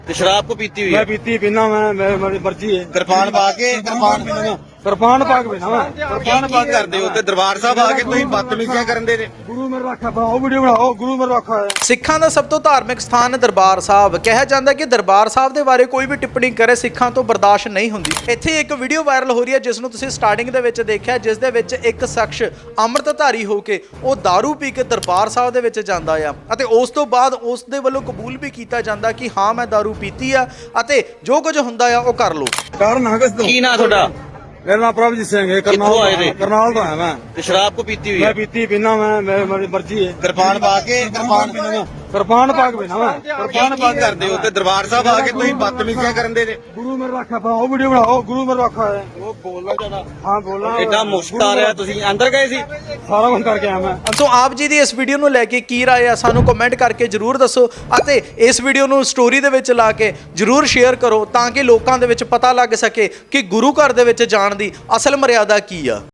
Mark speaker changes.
Speaker 1: ਤੇ ਸ਼ਰਾਬ ਕੋ ਪੀਤੀ हुई
Speaker 2: मैं
Speaker 1: है
Speaker 2: पीती पीना मैं मेरी मर्जी है।
Speaker 1: कृपान पा के कृपान
Speaker 2: कृपान पाक पीना मैं
Speaker 1: कृपान पा ਕਰਦੇ ਹੋ ਤੇ ਦਰਬਾਰ ਸਾਹਿਬ ਆ ਕੇ ਤੁਸੀਂ ਬਦਤਮੀਜ਼ੀਆਂ ਕਰਨ ਦੇ ਨੇ।
Speaker 2: गुरु मेरे रखा बनाओ वीडियो बनाओ गुरु मेरे रखा है।
Speaker 3: ਸਿੱਖਾਂ ਦਾ ਸਭ ਤੋਂ ਧਾਰਮਿਕ ਸਥਾਨ ਦਰਬਾਰ ਸਾਹਿਬ ਕਿਹਾ ਜਾਂਦਾ ਕਿ ਦਰਬਾਰ ਸਾਹਿਬ ਦੇ ਬਾਰੇ ਕੋਈ ਵੀ ਟਿੱਪਣੀ ਕਰੇ ਸਿੱਖਾਂ ਤੋਂ ਬਰਦਾਸ਼ਤ ਨਹੀਂ ਹੁੰਦੀ। ਇੱਥੇ ਇੱਕ ਵੀਡੀਓ ਵਾਇਰਲ ਹੋ ਰਹੀ ਹੈ ਜਿਸ ਨੂੰ ਤੁਸੀਂ ਸਟਾਰਟਿੰਗ ਦੇ ਵਿੱਚ ਦੇਖਿਆ, ਜਿਸ ਦੇ ਵਿੱਚ ਇੱਕ ਸ਼ਖਸ ਅੰਮ੍ਰਿਤਧਾਰੀ ਹੋ ਕੇ ਉਹ दारू ਪੀ ਕੇ ਦਰਬਾਰ ਸਾਹਿਬ ਦੇ ਵਿੱਚ ਜਾਂਦਾ ਆ ਅਤੇ ਉਸ ਤੋਂ ਬਾਅਦ ਉਸ ਦੇ ਵੱਲੋਂ ਕਬੂਲ ਵੀ ਕੀਤਾ ਜਾਂਦਾ ਕਿ ਹਾਂ ਮੈਂ दारू ਪੀਤੀ ਆ ਅਤੇ ਜੋ ਕੁਝ ਹੁੰਦਾ ਆ ਉਹ ਕਰ ਲਓ।
Speaker 2: कारण हगस दो
Speaker 1: ਕੀ ਨਾਂ ਤੁਹਾਡਾ?
Speaker 2: मेरा नाम प्रभजीत सिंह है।
Speaker 1: कित्थों आए थे?
Speaker 2: करनाल तो है मैं।
Speaker 1: ਤੇ ਸ਼ਰਾਬ ਕੋ ਪੀਤੀ हुई
Speaker 2: मैं
Speaker 1: है
Speaker 2: पीती पीना मैं मेरी मर्जी है।
Speaker 1: कृपान पा के कृपान
Speaker 2: कृपान पाक पीना मैं
Speaker 1: कृपान पा ਕਰਦੇ ਹੋ ਤੇ ਦਰਬਾਰ ਸਾਹਿਬ ਆ ਕੇ ਤੁਸੀਂ ਬਦਤਮੀਜ਼ੀਆਂ ਕਰਨ ਦੇ ਨੇ।
Speaker 2: गुरु मेरे रखा बनाओ वीडियो बनाओ गुरु मेरे रखा है।
Speaker 1: ਉਹ ਬੋਲਣਾ ਜ਼ਿਆਦਾ
Speaker 2: हाँ बोलना
Speaker 1: ਐਡਾ ਮੁਸ਼ਕ ਆ ਰਿਹਾ। ਤੁਸੀਂ ਅੰਦਰ ਗਏ ਸੀ?
Speaker 2: सारा कुछ करके आया मैं।
Speaker 3: ਸੋ ਆਪ ਜੀ ਦੀ ਇਸ ਵੀਡੀਓ ਨੂੰ ਲੈ ਕੇ ਕੀ ਰਾਏ ਆ ਸਾਨੂੰ ਕਮੈਂਟ ਕਰਕੇ ਜਰੂਰ ਦੱਸੋ ਅਤੇ ਇਸ ਵੀਡੀਓ ਨੂੰ ਸਟੋਰੀ ਦੇ ਵਿੱਚ ਲਾ ਕੇ ਜਰੂਰ ਸ਼ੇਅਰ ਕਰੋ ਤਾਂ ਕਿ ਲੋਕਾਂ ਦੇ ਵਿੱਚ ਪਤਾ ਲੱਗ ਸਕੇ ਕਿ ਗੁਰੂ ਘਰ ਦੇ ਵਿੱਚ ਜਾਣ ਦੀ ਅਸਲ ਮਰਿਆਦਾ ਕੀ ਆ।